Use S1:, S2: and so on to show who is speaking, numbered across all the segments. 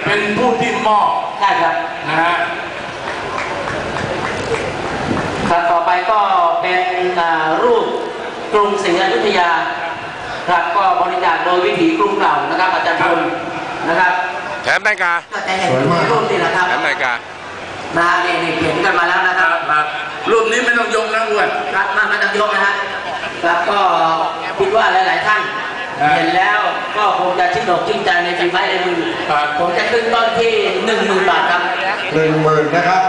S1: เป็นผู้ที่มอบ
S2: ได้ครับ
S1: นะฮะ
S2: ครับต่อไปก็เป็นรูปกรุงศรีอยุธยาครับก็บริจาคโดยวิถีกรุงเก่านะครับอาจารย์พลนะครับ
S3: แถมนาฬิกา
S2: ก็จะเห็นรูปนี่แหละครับ
S3: แถมนาฬิกา
S2: นี่เห็นกันมาแล้วนะครับ
S1: รูปนี้ไม่ต้องยกนะอ้วน
S2: ครับไม่ต้องยกนะฮะครับก็คิดว่าหลายๆท่านเห็นแล้วก็คงจะชื่นอกชื่นใจในฝีไม้ลายมือผมจะขึ้นต้นที่ 10,000 บาทครับ
S4: 10,000 นะครับ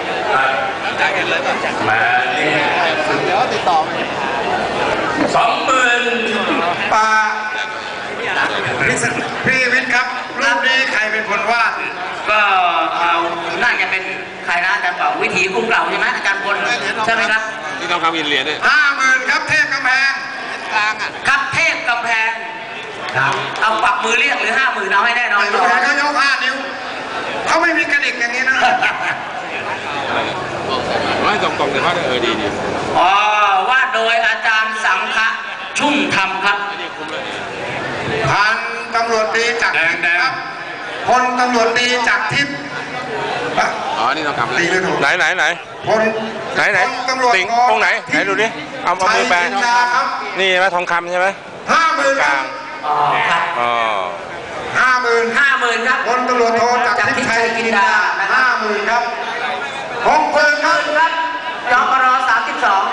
S1: มา
S4: เดี๋ยวติดต่อ
S1: 20,000
S4: ป่าพี่วิทย์ครับรูปนี้ใครเป็นคนวาด
S2: ก็น่าจะเป็นใครนะอาจารย์เป่าวิถีกรุงเก่าใช่ไหมอาจารย์พลใช่ไหมครับ
S3: ที่ต้องคำอินเหรียญเนี่ย
S4: 50,000ครับเทพกำแพง
S2: ครับเทพกำแพงเอาปักมือเรียกหรือ50,000เอาให้แน่นอน
S4: ดูนะเขายก5 นิ้วเขาไม่มีกระดิกอย่างนี้นะ
S3: ไม่ตรงๆเลยเขาดี
S2: วาดโดยอาจารย์สังฆะชุ่มธรรมครับ
S4: พันตำรวจตรีจักรครับพลตำรวจตรีจักรทิพย์
S3: นี่ต้องคำเลยไหน
S4: พลตำรวจ
S3: ติงตรงไหนดูดิเอามือแปลนี่ไหมทองคำใช่ไหม
S4: 50,000ครับ
S2: ครับ50,000ครับ
S4: พลตำรวจโทจักรทิพย์ชัยกินดา50,000ครับ60,000ครับ
S2: จปร32